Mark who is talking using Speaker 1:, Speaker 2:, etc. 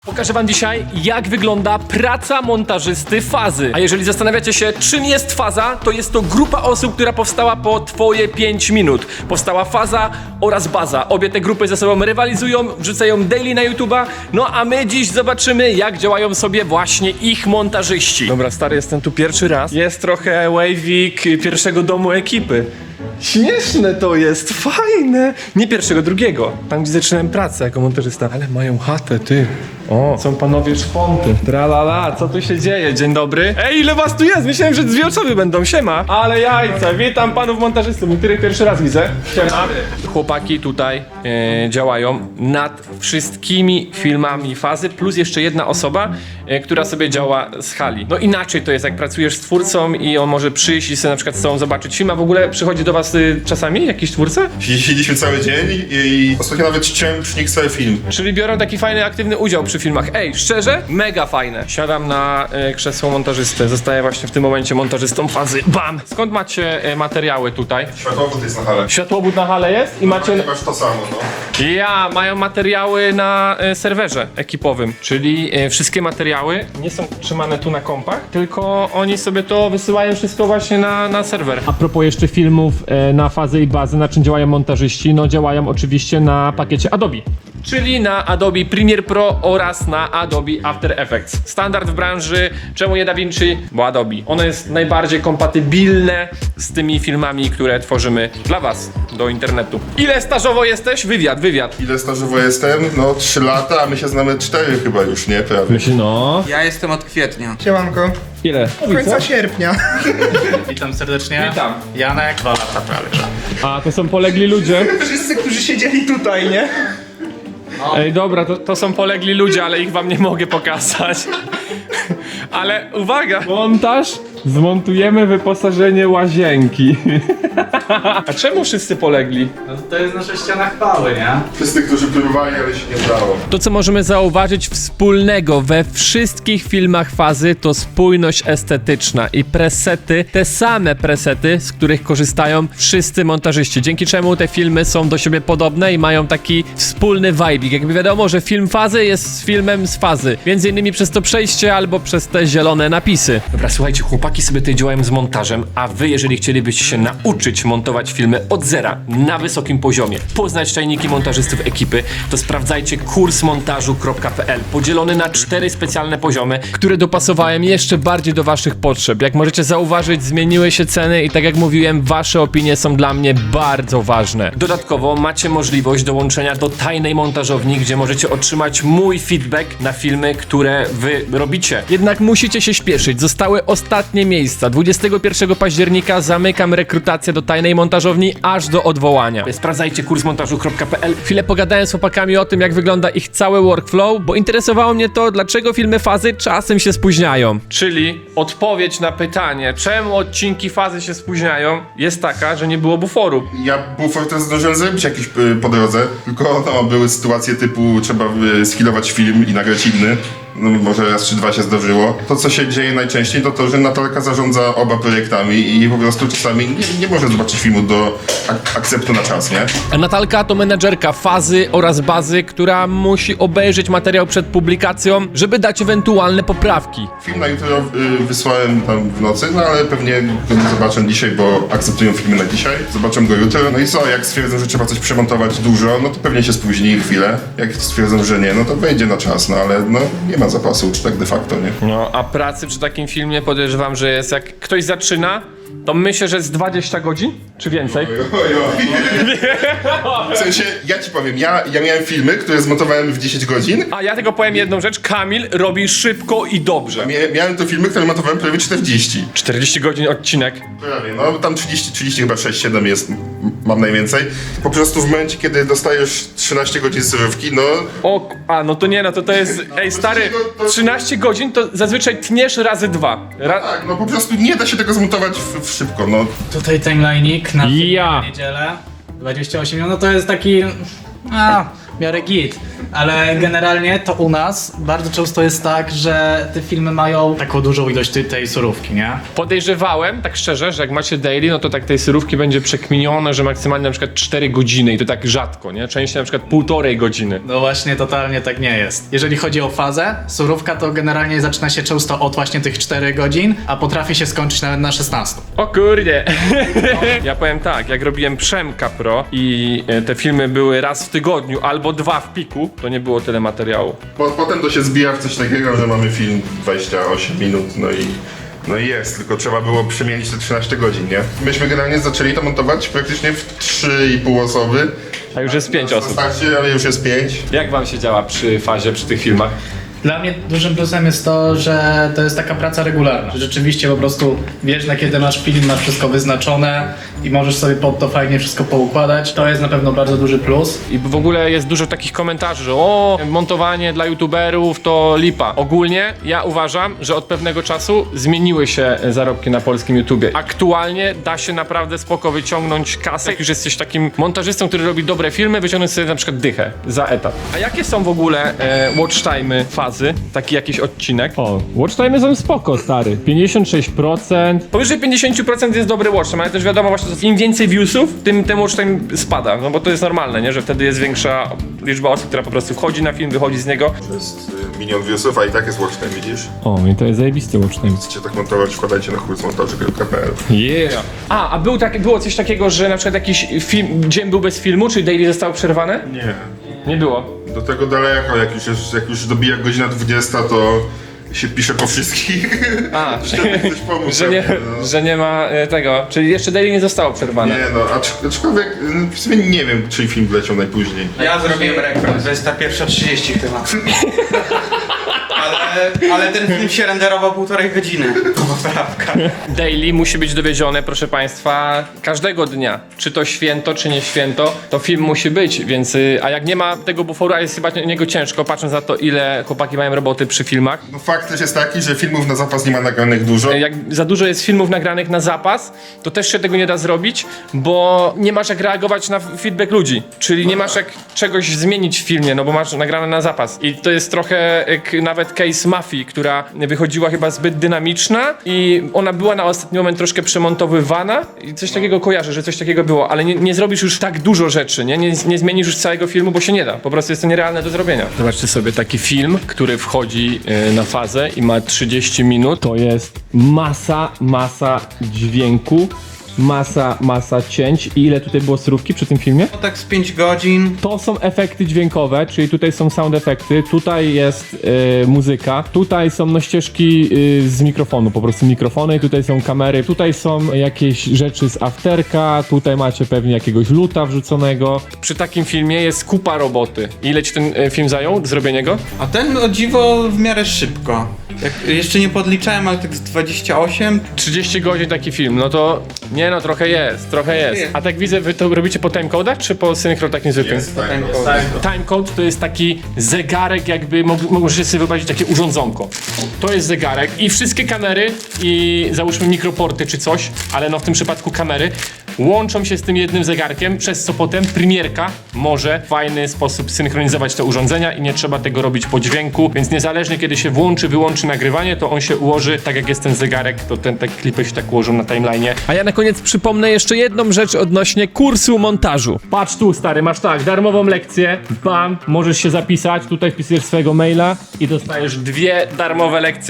Speaker 1: Pokażę wam dzisiaj, jak wygląda praca montażysty Fazy. A jeżeli zastanawiacie się, czym jest Faza, to jest to grupa osób, która powstała po twoje 5 minut. Powstała Faza oraz Baza. Obie te grupy ze sobą rywalizują, wrzucają daily na YouTube'a. No a my dziś zobaczymy, jak działają sobie właśnie ich montażyści. Dobra, stary, jestem tu pierwszy raz. Jest trochę wavik pierwszego domu ekipy. Śmieszne to jest, fajne. Nie pierwszego, drugiego. Tam, gdzie zaczynałem pracę jako montażysta. Ale mają chatę, ty. O, są panowie szponty. Tralala, co tu się dzieje? Dzień dobry. Ej, ile was tu jest? Myślałem, że 2 osoby będą. Siema. Ale jajca. Witam panów montażystów. Niektórych pierwszy raz widzę. Siema. Chłopaki tutaj działają nad wszystkimi filmami Fazy, plus jeszcze jedna osoba, która sobie działa z hali. No inaczej to jest, jak pracujesz z twórcą i on może przyjść i sobie na przykład z tobą zobaczyć film, a w ogóle przychodzi do was czasami jakiś twórca?
Speaker 2: Siedzieliśmy cały dzień i ostatnio nawet chciałem przy nich cały film.
Speaker 1: Czyli biorą taki fajny, aktywny udział przy filmach. Ej, szczerze? Mega fajne. Siadam na krzesło montażysty. Zostaję właśnie w tym momencie montażystą Fazy. Bam! Skąd macie materiały tutaj?
Speaker 2: Światłowód jest na hale.
Speaker 1: Światłowód na hale jest i macie...
Speaker 2: Masz to samo, no.
Speaker 1: Mają materiały na serwerze ekipowym, czyli wszystkie materiały nie są trzymane tu na kompach, tylko oni sobie to wysyłają wszystko właśnie na serwer. A propos jeszcze filmów na Fazę i Bazę, na czym działają montażyści, no działają oczywiście na pakiecie Adobe. Czyli na Adobe Premiere Pro oraz na Adobe After Effects. Standard w branży, czemu nie DaVinci? Bo Adobe. Ono jest najbardziej kompatybilne z tymi filmami, które tworzymy dla was do internetu. Ile stażowo jesteś? Wywiad.
Speaker 2: Ile stażowo jestem? No 3 lata, a my się znamy 4 chyba już, nie? Prawie.
Speaker 1: No.
Speaker 3: Ja jestem od kwietnia.
Speaker 4: Siemanko.
Speaker 1: Ile?
Speaker 4: Do końca sierpnia.
Speaker 5: Witam serdecznie.
Speaker 1: Witam.
Speaker 5: Janek, 2 lata prawie, że.
Speaker 1: A, to są polegli ludzie.
Speaker 4: Wszyscy, którzy siedzieli tutaj, nie?
Speaker 1: Ej, dobra, to są polegli ludzie, ale ich wam nie mogę pokazać. Ale uwaga! Montaż, zmontujemy wyposażenie łazienki. A czemu wszyscy polegli?
Speaker 5: No to jest nasza ściana chwały, nie?
Speaker 2: Wszyscy, którzy próbowali, ale się nie udało.
Speaker 1: To, co możemy zauważyć wspólnego we wszystkich filmach Fazy, to spójność estetyczna i presety, te same presety, z których korzystają wszyscy montażyści, dzięki czemu te filmy są do siebie podobne i mają taki wspólny vibe. Jakby wiadomo, że film Fazy jest filmem z Fazy, między innymi przez to przejście albo przez te zielone napisy. Dobra, słuchajcie, chłopaki sobie tutaj działają z montażem, a wy, jeżeli chcielibyście się nauczyć montować filmy od zera, na wysokim poziomie, poznać tajniki montażystów ekipy, to sprawdzajcie kursmontażu.pl, podzielony na 4 specjalne poziomy, które dopasowałem jeszcze bardziej do waszych potrzeb. Jak możecie zauważyć, zmieniły się ceny i tak jak mówiłem, wasze opinie są dla mnie bardzo ważne. Dodatkowo macie możliwość dołączenia do tajnej montażowni, gdzie możecie otrzymać mój feedback na filmy, które wy robicie. Jednak musicie się śpieszyć, zostały ostatnie miejsca. 21 października zamykam rekrutację do tajnej montażowni aż do odwołania. Sprawdzajcie kursmontażu.pl. Chwilę pogadałem z chłopakami o tym, jak wygląda ich cały workflow, bo interesowało mnie to, dlaczego filmy Fazy czasem się spóźniają. Czyli odpowiedź na pytanie, czemu odcinki Fazy się spóźniają, jest taka, że nie było buforu.
Speaker 2: Ja bufor też zdążyłem zrobić jakiś po drodze, tylko no, były sytuacje typu trzeba skillować film i nagrać inny. No, może raz czy 2 się zdarzyło. To, co się dzieje najczęściej, to to, że Natalka zarządza oba projektami i po prostu czasami nie może zobaczyć filmu do akceptu na czas, nie?
Speaker 1: A Natalka to menedżerka Fazy oraz Bazy, która musi obejrzeć materiał przed publikacją, żeby dać ewentualne poprawki.
Speaker 2: Film na jutro wysłałem tam w nocy, no ale pewnie go nie zobaczę dzisiaj, bo akceptują filmy na dzisiaj. Zobaczę go jutro. No i co, jak stwierdzą, że trzeba coś przemontować dużo, no to pewnie się spóźni chwilę. Jak stwierdzą, że nie, no to wejdzie na czas, no ale no nie ma zapasu, czy tak de facto, nie?
Speaker 1: No, a pracy przy takim filmie podejrzewam, że jest, jak ktoś zaczyna, to myślę, że z 20 godzin, czy więcej.
Speaker 2: W sensie, ja ci powiem, ja miałem filmy, które zmontowałem w 10 godzin.
Speaker 1: A ja tylko powiem jedną rzecz, Kamil robi szybko i dobrze.
Speaker 2: Miałem to filmy, które montowałem prawie 40.
Speaker 1: 40 godzin odcinek.
Speaker 2: Prawie, no tam 30 chyba 6-7 jest, mam najwięcej. Po prostu w momencie, kiedy dostajesz 13 godzin surówki, no...
Speaker 1: No to nie, no to jest, ej stary, 13 godzin to zazwyczaj tniesz razy 2.
Speaker 2: Tak, no po prostu nie da się tego zmontować szybko, no.
Speaker 5: Tutaj timeline'ik na
Speaker 1: Ja.
Speaker 5: niedzielę. 28 minut, no to jest taki... miarę git. Ale generalnie to u nas bardzo często jest tak, że te filmy mają taką dużą ilość tej surówki, nie?
Speaker 1: Podejrzewałem, tak szczerze, że jak macie daily, no to tak tej surówki będzie przekminione, że maksymalnie na przykład 4 godziny i to tak rzadko, nie? Częściej na przykład 1,5 godziny.
Speaker 5: No właśnie, totalnie tak nie jest. Jeżeli chodzi o fazę, surówka to generalnie zaczyna się często od właśnie tych 4 godzin, a potrafi się skończyć nawet na 16.
Speaker 1: O kurde. Ja powiem tak, jak robiłem Przemka Pro i te filmy były raz w tygodniu albo 2 w piku, to nie było tyle materiału.
Speaker 2: Potem to się zbija w coś takiego, że mamy film 28 minut, no i jest, tylko trzeba było przemienić te 13 godzin, nie? Myśmy generalnie zaczęli to montować praktycznie w 3,5 osoby.
Speaker 1: A już jest 5 osób.
Speaker 2: Starcie, ale już jest 5.
Speaker 1: Jak wam się działa przy fazie, przy tych filmach?
Speaker 5: Dla mnie dużym plusem jest to, że to jest taka praca regularna. Że rzeczywiście po prostu wiesz, na kiedy masz film, masz wszystko wyznaczone i możesz sobie pod to fajnie wszystko poukładać. To jest na pewno bardzo duży plus.
Speaker 1: I w ogóle jest dużo takich komentarzy, że o, montowanie dla youtuberów to lipa. Ogólnie ja uważam, że od pewnego czasu zmieniły się zarobki na polskim YouTubie. Aktualnie da się naprawdę spoko wyciągnąć kasę. Jak już jesteś takim montażystą, który robi dobre filmy, wyciągnąć sobie na przykład dychę za etat. A jakie są w ogóle watch time'y fazy? Taki jakiś odcinek? O, watch time'y są spoko, stary. 56%. Powyżej 50% jest dobry watch time, ale też wiadomo właśnie, że im więcej viewsów, tym ten watch time spada. No bo to jest normalne, nie? Że wtedy jest większa liczba osób, która po prostu wchodzi na film, wychodzi z niego.
Speaker 2: To jest milion viewsów, a i tak jest watch time, widzisz?
Speaker 1: O, i to jest zajebisty watch time.
Speaker 2: Chcecie tak montować, wkładajcie na kursmontaży.pl.
Speaker 1: Yeah. A było coś takiego, że na przykład jakiś film, dzień był bez filmu, czyli daily zostało przerwane?
Speaker 2: Nie.
Speaker 1: Nie było.
Speaker 2: Do tego daleko, jak już dobija godzina 20, to się pisze po wszystkich.
Speaker 1: A,
Speaker 2: Żeby ktoś pomógł.
Speaker 1: że nie ma tego, czyli jeszcze daily nie zostało przerwane.
Speaker 2: Nie no, aczkolwiek w sumie nie wiem, czy film wleciał najpóźniej.
Speaker 4: Ja zrobiłem rekord, 21:30 chyba. Ale ten film się renderował 1,5 godziny. To poprawka.
Speaker 1: Daily musi być dowiezione, proszę państwa, każdego dnia. Czy to święto, czy nie święto, to film musi być, więc a jak nie ma tego buforu, a jest chyba niego ciężko, patrząc na to, ile chłopaki mają roboty przy filmach.
Speaker 2: No fakt też jest taki, że filmów na zapas nie ma nagranych dużo.
Speaker 1: Jak za dużo jest filmów nagranych na zapas, to też się tego nie da zrobić, bo nie masz jak reagować na feedback ludzi. Czyli nie masz jak czegoś zmienić w filmie, no bo masz nagrane na zapas. I to jest trochę jak nawet case Mafii, która wychodziła chyba zbyt dynamiczna i ona była na ostatni moment troszkę przemontowywana i coś takiego kojarzę, że coś takiego było, ale nie zrobisz już tak dużo rzeczy, nie zmienisz już całego filmu, bo się nie da. Po prostu jest to nierealne do zrobienia. Zobaczcie sobie taki film, który wchodzi na fazę i ma 30 minut. To jest masa dźwięku, masa cięć. I ile tutaj było surówki przy tym filmie?
Speaker 4: No tak z 5 godzin.
Speaker 1: To są efekty dźwiękowe, czyli tutaj są sound efekty, tutaj jest muzyka, tutaj są ścieżki z mikrofonu, po prostu mikrofony, tutaj są kamery, tutaj są jakieś rzeczy z afterka, tutaj macie pewnie jakiegoś luta wrzuconego. Przy takim filmie jest kupa roboty. Ile ci ten film zajął, zrobienie go?
Speaker 4: A ten o dziwo w miarę szybko. Jeszcze nie podliczałem, ale tak z 28.
Speaker 1: 30 godzin taki film, no to nie no, trochę jest. A tak widzę, wy to robicie po timecodach, czy po synchro takim zwykłym?
Speaker 2: Jest tak.
Speaker 1: Timecode to jest taki zegarek, jakby możecie sobie wyobrazić takie urządzonko. To jest zegarek i wszystkie kamery i załóżmy mikroporty czy coś, ale no w tym przypadku kamery łączą się z tym jednym zegarkiem, przez co potem premierka może w fajny sposób synchronizować te urządzenia i nie trzeba tego robić po dźwięku, więc niezależnie kiedy się włączy, wyłączy nagrywanie, to on się ułoży tak jak jest ten zegarek, to te klipy się tak ułożą na timeline'ie. A ja na koniec przypomnę jeszcze jedną rzecz odnośnie kursu montażu. Patrz tu, stary, masz tak, darmową lekcję, bam, możesz się zapisać, tutaj wpisujesz swojego maila i dostajesz 2 darmowe lekcje.